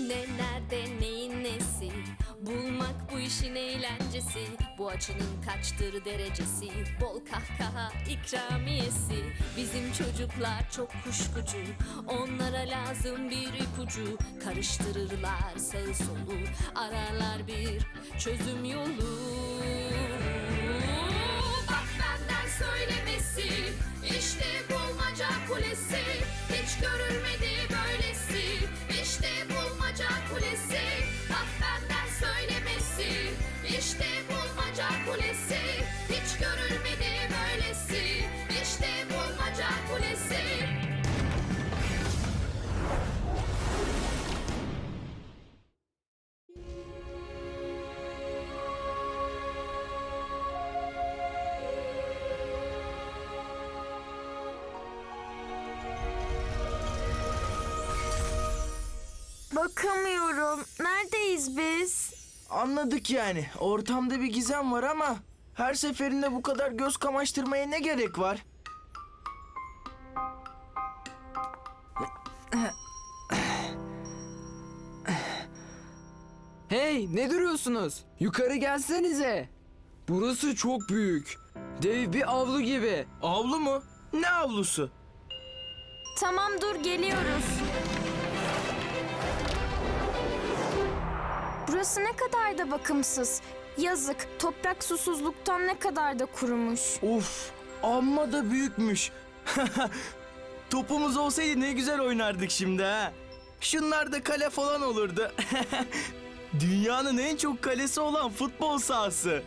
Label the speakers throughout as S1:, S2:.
S1: Ne nerede neyin nesi, bulmak bu işin eğlencesi. Bu açının kaçtır derecesi, bol kahkaha ikramiyesi. Bizim çocuklar çok kuşkucu, onlara lazım bir ipucu. Karıştırırlar sağı solu, ararlar bir çözüm yolu. Bak benden söylemesi, işte bulmaca kulesi. Hiç görülmedi böylesi, işte bulmaca kulesi. Bak benden söylemesi, işte bulmaca kulesi. Hiç görülmedi böylesi, işte bulmaca kulesi.
S2: Bakamıyorum. Neredeyiz biz?
S3: Anladık yani. Ortamda bir gizem var ama her seferinde bu kadar göz kamaştırmaya ne gerek var?
S4: Hey, ne duruyorsunuz? Yukarı gelsenize. Burası çok büyük. Dev bir avlu gibi.
S3: Avlu mu? Ne avlusu?
S2: Tamam dur geliyoruz. Burası ne kadar da bakımsız. Yazık, toprak susuzluktan ne kadar da kurumuş.
S3: Uf, amma da büyükmüş. Topumuz olsaydı ne güzel oynardık şimdi ha. Şunlar da kale falan olurdu. Dünyanın en çok kalesi olan futbol sahası.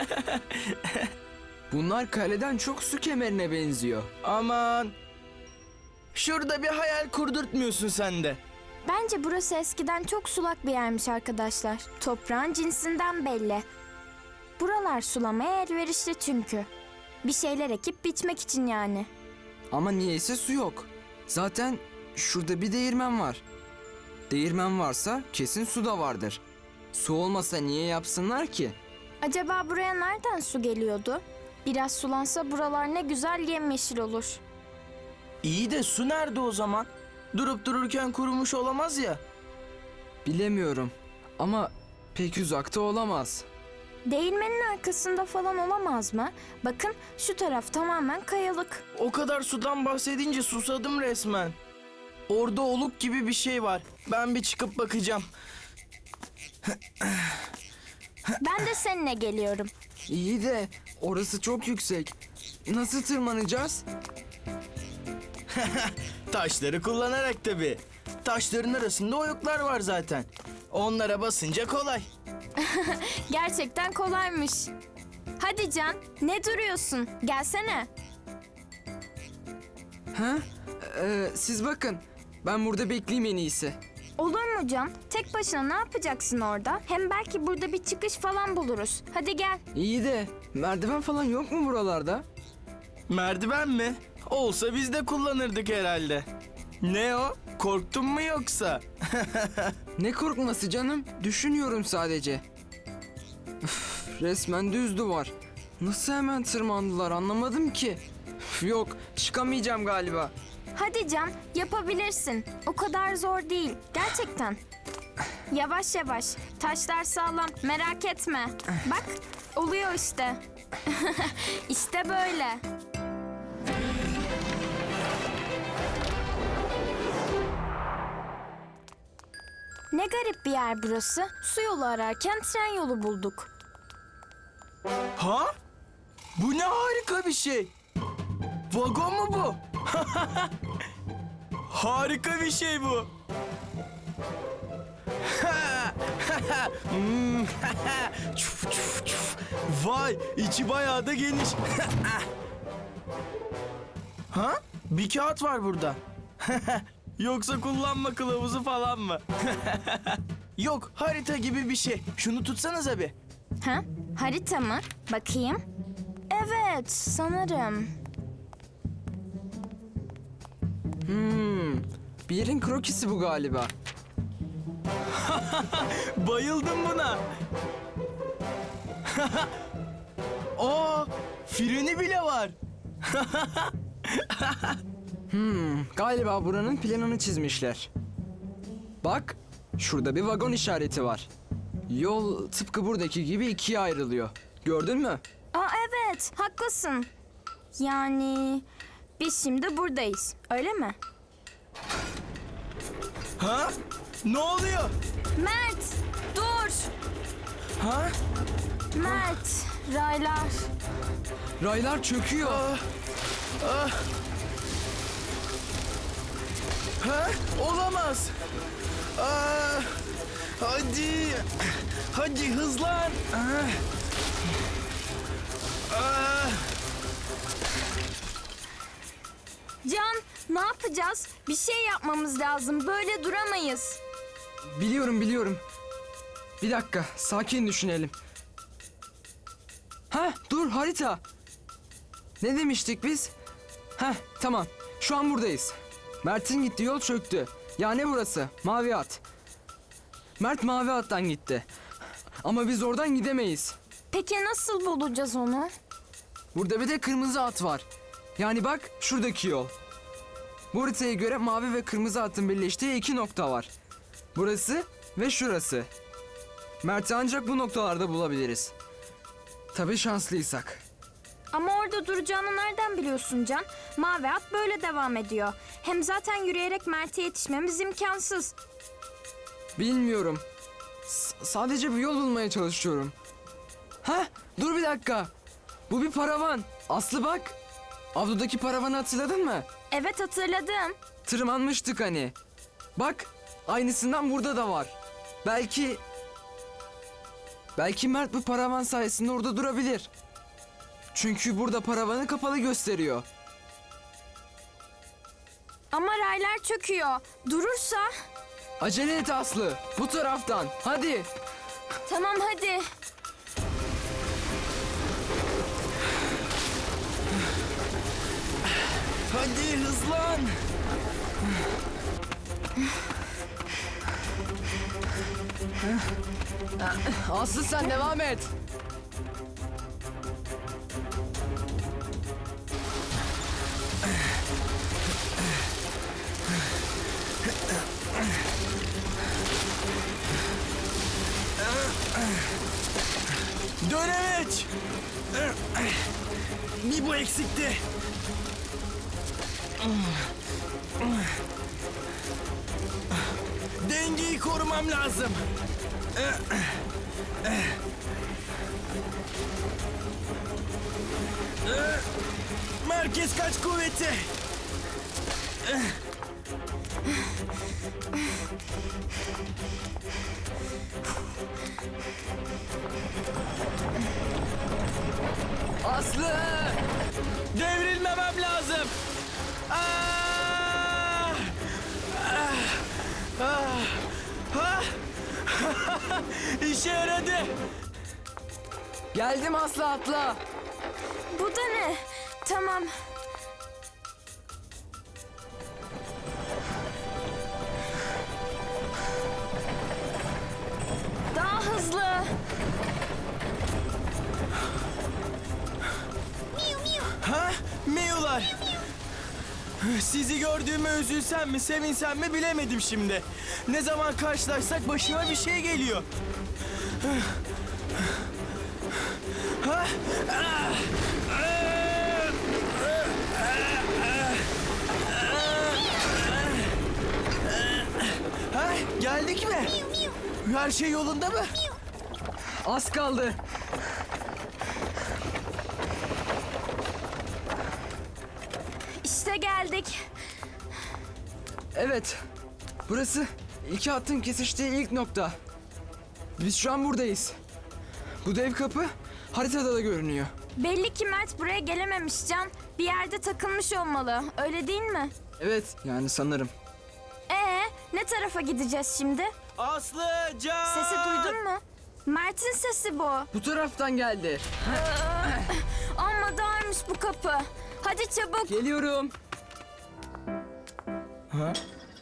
S4: Bunlar kaleden çok su kemerine benziyor.
S3: Aman. Şurada bir hayal kurdurtmuyorsun sen de.
S2: Bence burası eskiden çok sulak bir yermiş arkadaşlar. Toprağın cinsinden belli. Buralar sulamaya elverişli çünkü. Bir şeyler ekip biçmek için yani.
S4: Ama niyeyse su yok. Zaten şurada bir değirmen var. Değirmen varsa kesin su da vardır. Su olmasa niye yapsınlar ki?
S2: Acaba buraya nereden su geliyordu? Biraz sulansa buralar ne güzel yemyeşil olur.
S3: İyi de su nerede o zaman? Durup dururken kurumuş olamaz ya.
S4: Bilemiyorum ama pek uzakta olamaz.
S2: Değirmenin arkasında falan olamaz mı? Bakın şu taraf tamamen kayalık.
S3: O kadar sudan bahsedince susadım resmen. Orada oluk gibi bir şey var. Ben bir çıkıp bakacağım.
S2: Ben de seninle geliyorum.
S4: İyi de orası çok yüksek. Nasıl tırmanacağız?
S3: Taşları kullanarak tabii. Taşların arasında oyuklar var zaten. Onlara basınca kolay.
S2: Gerçekten kolaymış. Hadi Can, ne duruyorsun? Gelsene.
S4: Ha? Siz bakın. Ben burada bekleyeyim en iyisi.
S2: Olur mu Can? Tek başına ne yapacaksın orada? Hem belki burada bir çıkış falan buluruz. Hadi gel.
S4: İyi de merdiven falan yok mu buralarda?
S3: Merdiven mi? Olsa biz de kullanırdık herhalde. Ne o? Korktun mu yoksa?
S4: Ne korkması canım? Düşünüyorum sadece. Üf, resmen düz duvar. Nasıl hemen tırmandılar anlamadım ki. Üf, yok çıkamayacağım galiba.
S2: Hadi Can, yapabilirsin. O kadar zor değil. Gerçekten. Yavaş yavaş. Taşlar sağlam. Merak etme. Bak, oluyor işte. İşte böyle. Ne garip bir yer burası. Su yolu ararken tren yolu bulduk.
S3: Ha? Bu ne harika bir şey. Vagon mu bu? Harika bir şey bu. Çuf, çuf, çuf. Vay, içi bayağı da geniş. Ha? Bir kağıt var burada. Yoksa kullanma kılavuzu falan mı? Yok, harita gibi bir şey. Şunu tutsanıza bir.
S2: Ha? Harita mı? Bakayım. Evet, sanırım.
S4: Bir yerin krokisi bu galiba.
S3: Bayıldım buna. Aa, freni bile var.
S4: Galiba buranın planını çizmişler. Bak, Şurada bir vagon işareti var. Yol tıpkı buradaki gibi ikiye ayrılıyor. Gördün mü?
S2: Aa evet, haklısın. Yani biz şimdi buradayız, öyle mi?
S3: Ha? Ne oluyor?
S2: Mert, dur.
S3: Ha?
S2: Mert, raylar.
S4: Raylar çöküyor.
S3: Ha? Olamaz. Hadi. Hadi hızlan.
S2: Can, ne yapacağız? Bir şey yapmamız lazım. Böyle duramayız.
S4: Biliyorum. Bir dakika, sakin düşünelim. Dur harita. Ne demiştik biz? Tamam. Şu an buradayız. Mert'in gittiği yol çöktü. Yani burası. Mavi at. Mert mavi attan gitti. Ama biz oradan gidemeyiz.
S2: Peki nasıl bulacağız onu?
S4: Burada bir de kırmızı at var. Yani bak şuradaki yol. Bu haritaya göre mavi ve kırmızı atın birleştiği iki nokta var. Burası ve şurası. Mert'i ancak bu noktalarda bulabiliriz. Tabii şanslıysak.
S2: Ama orada duracağını nereden biliyorsun Can? Mavi at böyle devam ediyor. Hem zaten yürüyerek Mert'e yetişmemiz imkansız.
S4: Bilmiyorum. Sadece bir yol bulmaya çalışıyorum. Dur bir dakika. Bu bir paravan. Aslı bak. Avludaki paravanı hatırladın mı?
S2: Evet, hatırladım.
S4: Tırmanmıştık hani. Bak, aynısından burada da var. Belki Mert bu paravan sayesinde orada durabilir. Çünkü burada paravanı kapalı gösteriyor.
S2: Ama raylar çöküyor. Durursa...
S4: Acele et Aslı. Bu taraftan. Hadi.
S2: Tamam hadi.
S3: Hadi hızlan.
S4: Aslı sen devam et.
S3: Dönemeç. Bir bu eksikti. Dengeyi korumam lazım. Merkez kaç kuvveti.
S4: Aslı!
S3: Devrilmemem lazım. Ah! İşe yaradı.
S4: Geldim Aslı, atla.
S2: Bu da ne? Tamam. Daha hızlı.
S3: Ha? Miyular. Sizi gördüğüme üzülsem mi, sevinsem mi bilemedim şimdi. Ne zaman karşılaşsak başıma bir şey geliyor. Ha? Ha? Geldik mi? Her şey yolunda mı?
S4: Az kaldı.
S2: İşte geldik.
S4: Evet. Burası iki hattın kesiştiği ilk nokta. Biz şu an buradayız. Bu dev kapı haritada da görünüyor.
S2: Belli ki Mert buraya gelememiş Can. Bir yerde takılmış olmalı. Öyle değil mi?
S4: Evet, yani sanırım.
S2: Ne tarafa gideceğiz şimdi?
S3: Aslıcan!
S2: Sesi duydun mu? Mert'in sesi bu.
S4: Bu taraftan geldi.
S2: Amma darmış bu kapı. Hadi çabuk.
S4: Geliyorum.
S3: Ha?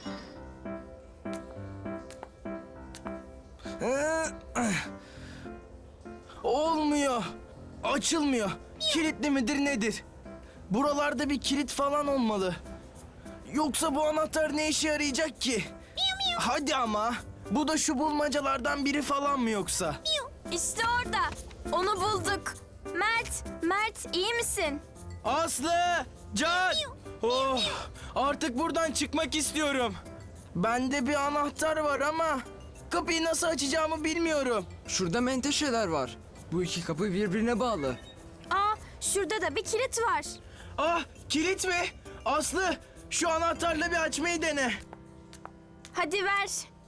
S3: Olmuyor. Açılmıyor. Kilitli midir nedir? Buralarda bir kilit falan olmalı. Yoksa bu anahtar ne işe yarayacak ki? Hadi ama. Bu da şu bulmacalardan biri falan mı yoksa?
S2: İşte orada. Onu bulduk. Mert iyi misin?
S3: Aslı! Can! Oh, artık buradan çıkmak istiyorum. Bende bir anahtar var ama kapıyı nasıl açacağımı bilmiyorum.
S4: Şurada menteşeler var. Bu iki kapı birbirine bağlı.
S2: Aa, şurada da bir kilit var.
S3: Ah, kilit mi? Aslı, şu anahtarla bir açmayı dene.
S2: Hadi ver.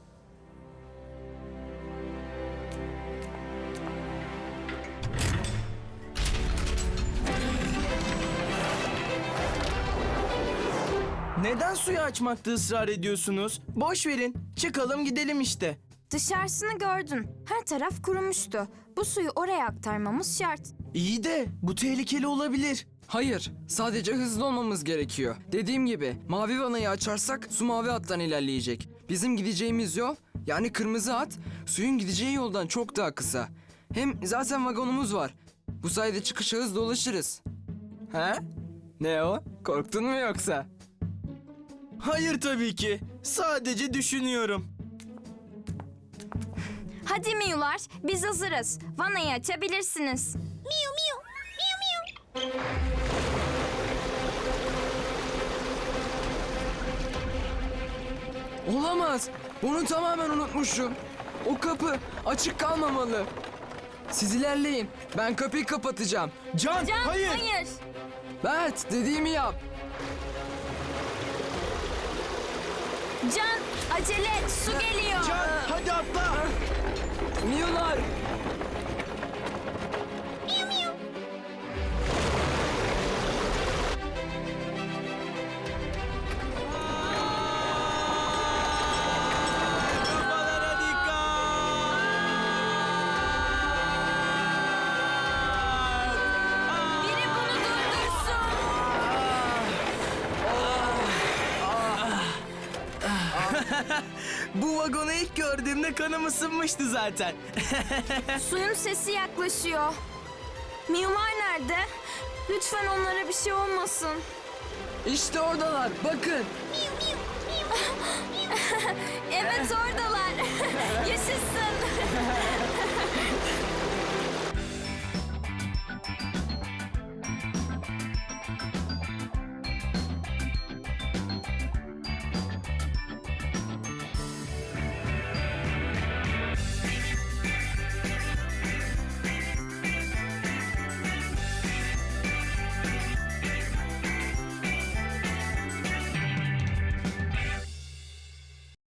S3: Neden suyu açmakta ısrar ediyorsunuz? Boş verin, çıkalım gidelim işte.
S2: Dışarısını gördün. Her taraf kurumuştu. Bu suyu oraya aktarmamız şart.
S3: İyi de bu tehlikeli olabilir.
S4: Hayır, sadece hızlı olmamız gerekiyor. Dediğim gibi mavi vanayı açarsak su mavi hattan ilerleyecek. Bizim gideceğimiz yol, yani kırmızı hat, suyun gideceği yoldan çok daha kısa. Hem zaten vagonumuz var. Bu sayede çıkışa hızlı ulaşırız.
S3: He?
S4: Ne o? Korktun mu yoksa?
S3: Hayır tabii ki. Sadece düşünüyorum.
S2: Hadi miyular, biz hazırız. Vanayı açabilirsiniz.
S4: Olamaz. Bunu tamamen unutmuşum. O kapı açık kalmamalı. Siz ilerleyin. Ben kapıyı kapatacağım.
S3: Can,
S2: Can,
S3: hayır.
S2: hayır.
S4: Bert, dediğimi yap.
S2: Can, acele et, su geliyor.
S3: Can, hadi atla.
S4: Miyular.
S3: Kafalara dikkat.
S2: Biri bunu durdursun.
S3: Bu vagonu ilk gördüğümde kanım ısınmıştı zaten.
S2: Suyun sesi yaklaşıyor. Miyular nerede? Lütfen onlara bir şey olmasın.
S4: İşte oradalar. Bakın.
S2: Evet oradalar. Yaşasın.